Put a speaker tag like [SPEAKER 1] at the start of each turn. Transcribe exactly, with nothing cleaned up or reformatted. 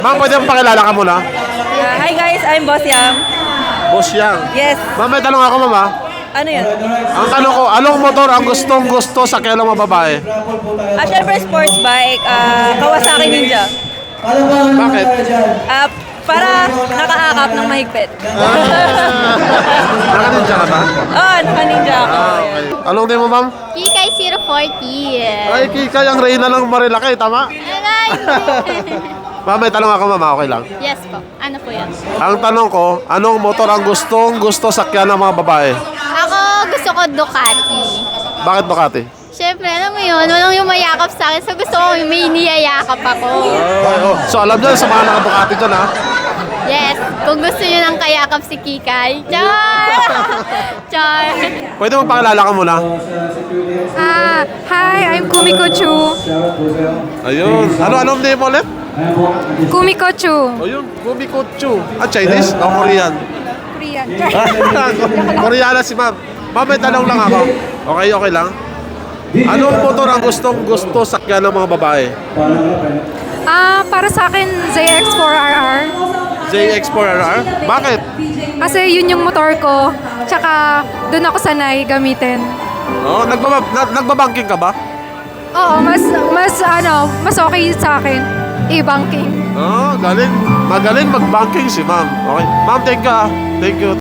[SPEAKER 1] Ma'am, pwede mo pakilala ka muna?
[SPEAKER 2] Uh, hi guys, I'm Boss Yam.
[SPEAKER 1] Boss Yang.
[SPEAKER 2] Yes.
[SPEAKER 1] Ma'am, may tanong ako, ma'am, ha?
[SPEAKER 2] Ano yun?
[SPEAKER 1] Ang tanong ko, anong motor ang gustong gusto sa kailang mga babae?
[SPEAKER 2] Ah, syempre sports bike, ah, Kawasaki Ninja.
[SPEAKER 1] Bakit?
[SPEAKER 2] Ah, para nakaakap ng mahigpit.
[SPEAKER 1] Nakaninja ka ba?
[SPEAKER 2] Oh, naka-ninja ako.
[SPEAKER 1] Ah, okay. Anong din mo, ma'am?
[SPEAKER 3] Kikay zero forty.
[SPEAKER 1] Ay, Kika, yung Reyna ng Marilaki, tama?
[SPEAKER 3] Aray!
[SPEAKER 1] Ma'am, may tanong ako, ma'am, okay lang.
[SPEAKER 3] Yes po. Ano po yan?
[SPEAKER 1] Ang tanong ko, anong motor ang gustong gusto sakyan ng mga babae?
[SPEAKER 3] Ako gusto ko Ducati.
[SPEAKER 1] Bakit Ducati?
[SPEAKER 3] Siyempre, alam mo yun, walang yung mayakap sa akin. So gusto ko may niyayakap ako.
[SPEAKER 1] Oh, so alam niyo sa mga naka-Ducati dyan, ha?
[SPEAKER 3] Yes, kung gusto nyo ng kayakap si Kikay. Char! Char!
[SPEAKER 1] Pwede mo pakilala ka muna?
[SPEAKER 4] Ah, hi, I'm Kumiko Chu.
[SPEAKER 1] Ayun. Ano, anong name mo ulit?
[SPEAKER 4] Kumiko Chu.
[SPEAKER 1] Ayun, Kumikotsu. Ah, Chinese? O Korean?
[SPEAKER 4] Korean.
[SPEAKER 1] Koreana si ma'am. Ma'am, may tanong lang ako. Okay, okay lang. Anong motor ang gustong gusto sakyan ng mga babae?
[SPEAKER 4] Ah, para sa akin, Z X four R R.
[SPEAKER 1] Z X four R R? Bakit?
[SPEAKER 4] Kasi yun yung motor ko. Tsaka, doon ako sanay gamitin.
[SPEAKER 1] Oh, nagbaba, na, nagbabangking ka ba?
[SPEAKER 4] Oo, mas, mas, ano, mas okay sa akin. E-banking.
[SPEAKER 1] Oh, galing. Magaling mag-banking si ma'am. Okay. Ma'am, thank you. ah. Thank you.